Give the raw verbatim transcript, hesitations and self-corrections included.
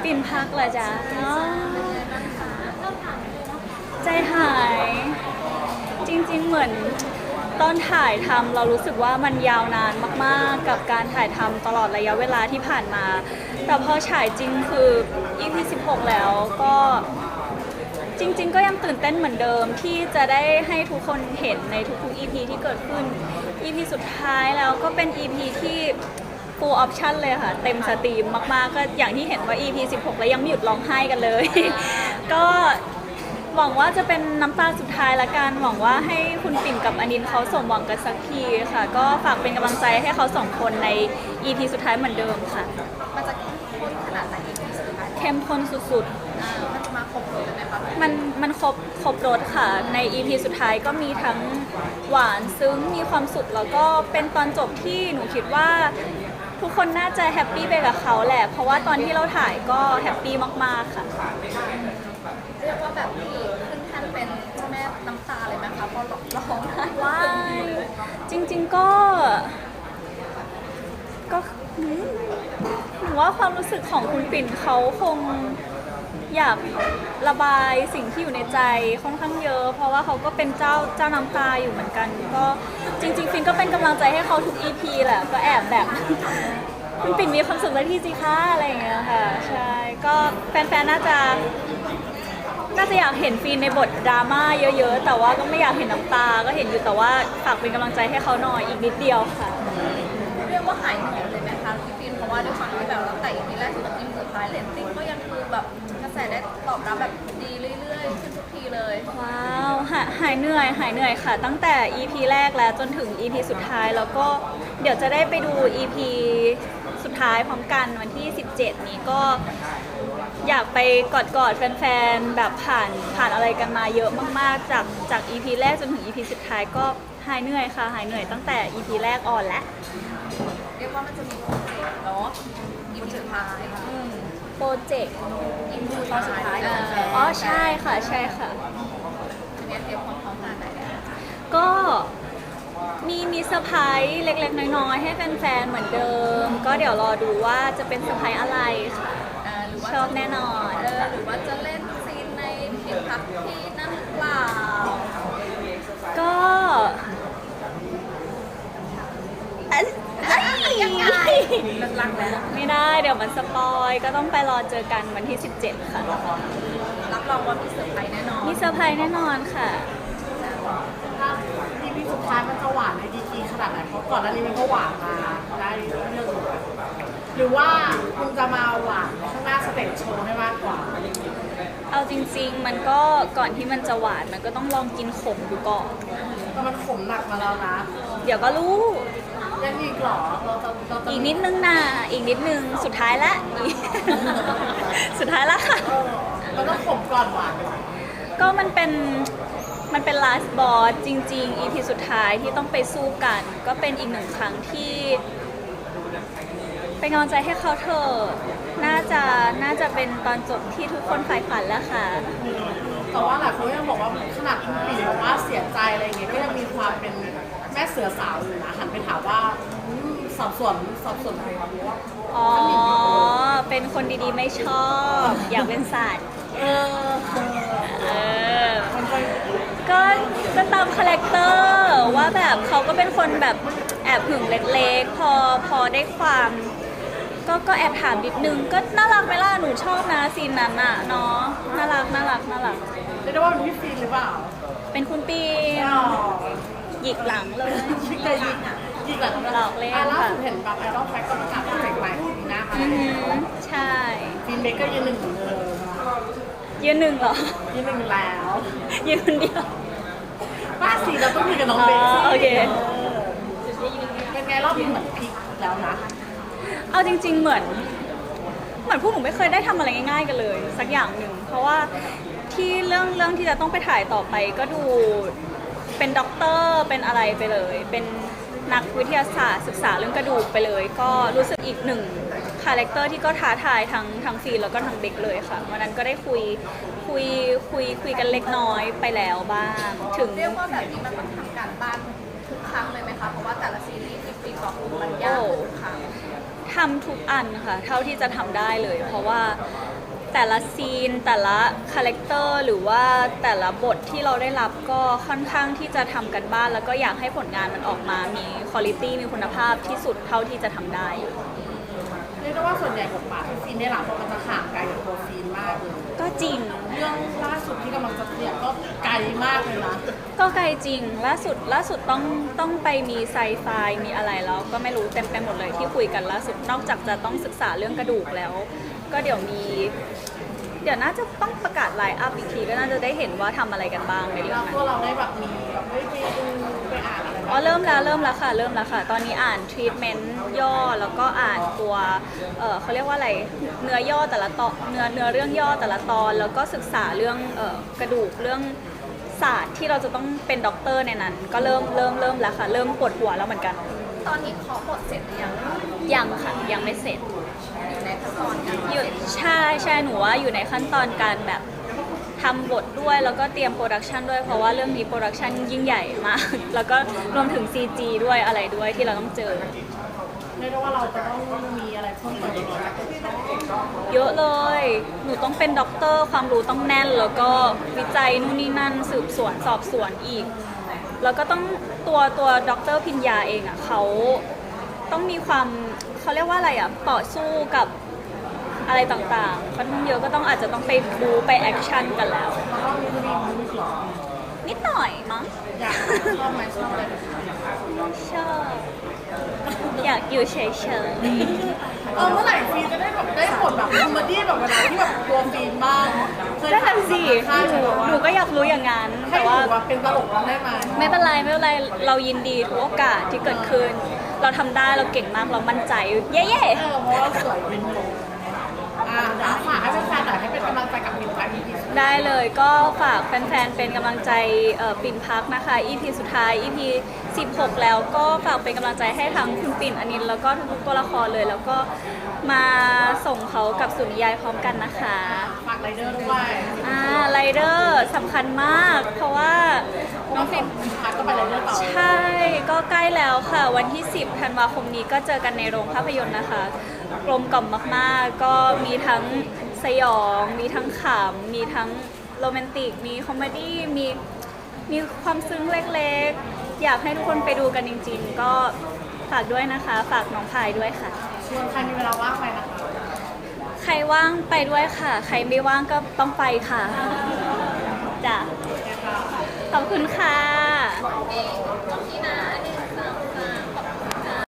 ปิ่นพักเหรอจ๊ะอ๋อใจหาย จริงๆเหมือนตอนถ่ายทำเรารู้สึกว่ามันยาวนานมากๆกับการถ่ายทำตลอดระยะเวลาที่ผ่านมา แต่พอฉายจริงคือ อี พี สิบหกแล้วก็จริงๆก็ยังตื่นเต้นเหมือนเดิมที่จะได้ให้ทุกคนเห็นในทุกๆ อี พี ที่เกิดขึ้น อี พี สุดท้ายแล้วก็เป็น อี พี ที่ full option เลยค่ะเต็มสตรีมมากๆก็อย่างที่เห็นว่า อี พี สิบหกแล้วยังไม่หยุดร้องไห้กันเลย ก็หวังว่าจะเป็นน้ำตาสุดท้ายละกันหวังว่าให้คุณปิ่นกับอนินเขาสมหวังกันสักทีค่ะก็ฝากเป็นกำลังใจให้เขาสองคนใน อี พี สุดท้ายเหมือนเดิมค่ะมันจะเข้มข้นขนาดไหน อี พี สุดท้ายเข้มข้นสุดๆอ่ามันจะมาครบรสเลยไหมคะมันมันครบครบรสค่ะใน อี พี สุดท้ายก็มีทั้งหวานซึ้งมีความสุขแล้วก็เป็นตอนจบที่หนูคิดว่าทุกคนน่าจะแฮปปี้ไปกับเขาแหละเพราะว่าตอนที่เราถ่ายก็แฮปปี้มากๆค่ะเรียกว่าแบบนี้ขึ้นแท่นเป็นเจ้าแม่น้ำตาเลยไหมคะพอร้องไห้ว้ายจริงๆก็ก็หนูว่าความรู้สึกของคุณปิ่นเขาคงอยากระบายสิ่งที่อยู่ในใจค่อนข้างเยอะเพราะว่าเขาก็เป็นเจ้าเจ้าน้ำตาอยู่เหมือนกันก็จริงๆฟินก็เป็นกำลังใจให้เขาทุก อี พี แหละก็แอบแบบคุณปิ่นมีความสุขสักทีสิคะอะไรอย่างเงี้ยค่ะใช่ก็แฟนๆน่าจะน่าจะอยากเห็นฟินในบทดราม่าเยอะๆแต่ว่าก็ไม่อยากเห็นน้ำตาก็เห็นอยู่แต่ว่าฝากเป็นกำลังใจให้เขาหน่อยอีกนิดเดียวค่ะเรียกว่าหายเหนื่อยเลยไหมคะพี่ฟินเพราะว่าด้วยความที่แบบเราแต่อีพีแรกถึงอีพีสุดท้ายเรตติ้งก็ยังคือแบบกระแสได้ตอบรับแบบดีเรื่อยๆขึ้นทุกทีเลยว้าวหายหายเหนื่อยหายเหนื่อยค่ะตั้งแต่ อี พี แรกแล้วจนถึง อี พี สุดท้ายแล้วก็เดี๋ยวจะได้ไปดู อี พี สุดท้ายพร้อมกันวันที่สิบเจ็ดนี้ก็อยากไปกอดๆแฟนๆแบบผ่านผ่านอะไรกันมาเยอะมากๆจากจาก อี พี แรกจนถึง อี พี สุดท้ายก็หายเหนื่อยค่ะหายเหนื่อยตั้งแต่ อี พี แรกออนแล้วเรียกว่ามันจะมีโปรเจกต์เนาะอี พี สุดท้ายโปรเจกต์อี พี สุดท้ายอ๋อใช่ค่ะใช่ค่ะเนี่ยเตรียมความพร้อมขนาดไหนก็มีมีเซอร์ไพรส์เล็กๆน้อยๆให้แฟนๆเหมือนเดิมก็เดี๋ยวรอดูว่าจะเป็นเซอร์ไพรส์อะไรค่ะชอบแน่นอนหรือว่าจะเล่นซีนในผิดพักที่นั่นหรือเปล่าก็ยังไงลักๆแล้วไม่ได้เดี๋ยวมันสปอยก็ต้องไปรอเจอกันวันที่สิบเจ็ดค่ะรับรองว่ามีเซอร์ไพรส์แน่นอนมีเซอร์ไพรส์แน่นอนค่ะถ้าอีพีสุดท้ายมันจะหวานในดีกีขนาดไหนเพราะก่อนหน้านี้มันก็หวานมาได้เรื่องหนึ่งหรือว่าคุณจะมาหวานข้างหน้าสเตจโชว์ให้มากกว่าเอาจริงๆมันก็ก่อนที่มันจะหวานมันก็ต้องลองกินขมดูก่อนแต่มันขมหนักมาแล้วนะเดี๋ยวก็รู้ยังอีกหรอเราจะเราจะอีกนิดนึงนะอีกนิดนึงสุดท้ายละสุดท้ายละค่ะมันต้องขมก่อนหวานก็มันเป็นมันเป็น last boss จริงๆ อี พี สุดท้ายที่ต้องไปสู้กันก็เป็นอีกหนึ่งครั้งที่เป็นกำลังใจให้เขาเถอะน่าจะน่าจะเป็นตอนจบที่ทุกคนใฝ่ฝันแล้วค่ะแต่ว่าหลายคนยังบอกว่าขนาดคุณปิ่นบอกว่าเสียใจอะไรอย่างเงี้ยก็ยังมีความเป็นแม่เสือสาวอยู่นะหันไปถามว่าสับสนสับสนอะไรวะว่าอ๋อเป็นคนดีๆไม่ชอบอยากเป็นสัตว์เออเออก็ก็ตามคาแรคเตอร์ว่าแบบเขาก็เป็นคนแบบแอบหึงเล็กๆพอพอได้ความก็ก็แอบถามนิดนึงก็น่ารักไหมล่ะหนูชอบนะซีนนั้นอ่ะเนาะน่ารักน่ารักน่ารักเรียกได้ว่าเป็นพี่ฟีนหรือเปล่าเป็นคุณปีหยิกหลังเลยชิคเลยหยิกหยิกหลังหลอกเล่นค่ะล่าค่ะสุดเห็นแบบไอดอลแฟคก็ประกาศโปรเจกต์ใหม่ปีหน้าค่ะใช่ฟีนเบเกอร์ยืนหนึ่งเหมือนเดิมยืนหนึ่งเหรอยืนหนึ่งแล้วยืนคนเดียวป้าสีเราต้องมีกับน้องเบคโอเคเป็นไงรอบนี้เหมือนพลิกแล้วนะเอาจริงๆเหมือนเหมือนพวกหนูไม่เคยได้ทำอะไรง่ายๆกันเลยสักอย่างหนึ่งเพราะว่าที่เรื่องเรื่องที่จะต้องไปถ่ายต่อไปก็ดูเป็นด็อกเตอร์เป็นอะไรไปเลยเป็นนักวิทยาศาสตร์ศึกษาเรื่องกระดูกไปเลยก็รู้สึกอีกหนึ่งคาแรคเตอร์ที่ก็ท้าทายทั้งทั้งฟีนแล้วก็ทั้งเบคเลยค่ะวันนั้นก็ได้คุยคุยคุยคุยกันเล็กน้อยไปแล้วบ้างถึงเรียกว่าแบบนี้มันต้องทำการบ้านทุกครั้งเลยไหมคะเพราะว่าแต่ละซีรีส์ที่ฟีนบอกมันยากทุกครั้งทำทุกอันค่ะเท่าที่จะทำได้เลยเพราะว่าแต่ละซีนแต่ละคาแรคเตอร์หรือว่าแต่ละบทที่เราได้รับก็ค่อนข้างที่จะทำกันบ้านแล้วก็อยากให้ผลงานมันออกมามีคุณภาพมีคุณภาพที่สุดเท่าที่จะทำได้เรียกได้ว่าส่วนใหญ่บทบาทที่ฟินได้รับมันจะห่างไกลกับตัวฟินมากเลยก็จริงเรื่องล่าสุดที่กำลังจะเนี่ยก็ไกลมากเลยนะก็ไกลจริงล่าสุดล่าสุดต้องต้องไปมีไซไฟมีอะไรแล้วก็ไม่รู้เต็มไปหมดเลยที่คุยกันล่าสุดนอกจากจะต้องศึกษาเรื่องกระดูกแล้ว ก็เดี๋ยวมี เดี๋ยวน่าจะต้องประกาศไลน์อัพอีกทีก็น่าจะได้เห็นว่าทำอะไรกันบ้างในเรื่แล้อวงนั้พวกนเราได้แบบมีแบบได้ไปดูไปอ่านอะไรอ๋อเริ่มแล้วเริ่มแล้วค่ะเริ่มแล้วค่ะ ตอนนี้อ่านทรีทเมนต์ย่อแล้วก็อ่านตัวเออเขาเรียกว่าอะไรเนื้อย่อแต่ละตอนเนื้อเนื้อเรื่องย่อแต่ละตอน แล้วก็ศึกษาเรื่องเออกระดูกเรื่องศาสตร์ที่เราจะต้องเป็นด็อกเตอร์ในนั้น ก็เริ่มเริ่มเริ่มแล้วค่ะเริ่มปวดหัวแล้วเหมือนกันตอนนี้เคาะบทเสร็จหรือยังคะยังค่ะยังไม่เสร็จอยู่ในขั้นตอนการอยู่ใช่ใช่หนูว่าอยู่ในขั้นตอนการแบบทำบทด้วยแล้วก็เตรียมโปรดักชันด้วยเพราะว่าเรื่องนี้โปรดักชันยิ่งใหญ่มาก แล้วก็รวมถึง ซี จี ด้วยอะไรด้วยที่เราต้องเจอเรียกได้ว่าเราจะต้องมีอะไรเพิ่มเติมอีกไหมเยอะเลย หนูต้องเป็นด็อกเตอร์ความรู้ต้องแน่น แล้วก็วิจัยนู่นนี่นั่นสืบสวนสอบสวนอีก แล้วก็ต้องตัวตัวด็อกเตอร์พิญญาเองอ่ะเขาต้องมีความเขาเรียกว่าอะไรอ่ะต่อสู้กับอะไรต่างๆค่อนข้างเยอะก็ต้องอาจจะต้องไปบูไปแอคชั่นกันแล้วแล้วก็มีมีมีหรอนิดหน่อยมั้งอยากชอบไหมชอบอะไรแบบนี้ชอบอยากอยู่เฉยเออเมื่อไหร่ฟีนจะได้แบบได้ผลแบบคอมเมดี้แบบเวลาที่แบบตัวฟีนบ้างเคยๆได้ทันสิค่ายหหนูนูว่าหนูก็อยากรู้อย่างนั้นให้แต่หนูว่าว่าเป็นตลกได้ไหมไม่เป็นไรไม่เป็นไรเรายินดีทุกโอกาสที่เกิดขึ้น เราทำได้เราเก่งมากเรามั่นใจ เย้เออเพราะว่าสวยเป็นโมอ่าเดี๋ยวฝากให้แฟนๆหน่อยให้เป็นกำลังใจกับมินไปอีพีๆได้เลยก็ฝากแฟนๆเป็นกำลังใจเอ่อปิ่นพักนะคะ อี พี สุดท้าย อี พี สิบหกแล้วก็ฝากเป็นกำลังใจให้ทั้งคุณปิ่นอนินท์แล้วก็ทุกๆตัวละครเลย แล้วก็มาส่งเขากับสุนิยายพร้อมกันนะคะฝากไรเดอร์ด้วยอ่าไรเดอร์สำคัญมาก เพราะว่าน้องฟินพักก็ไปไรเดอร์ต่อใช่ ก็ใกล้แล้วค่ะ วันที่ สิบธันวาคมนี้ก็เจอกันในโรงภาพยนตร์นะคะ กลมกล่อมมากๆ ก็มีทั้งสยอง มีทั้งขำ มีทั้งโรแมนติก มีคอมเมดี้ มีมีความซึ้งเล็กๆ อยากให้ทุกคนไปดูกันจริงๆ ก็ฝากด้วยนะคะ ฝากน้องพายด้วยค่ะชวนใครมีเวลาว่างไปนะคะใครว่างไปด้วยค่ะ ใครไม่ว่างก็ต้องไปค่ะจ้ะขอบคุณค่ะที่นะอันนี้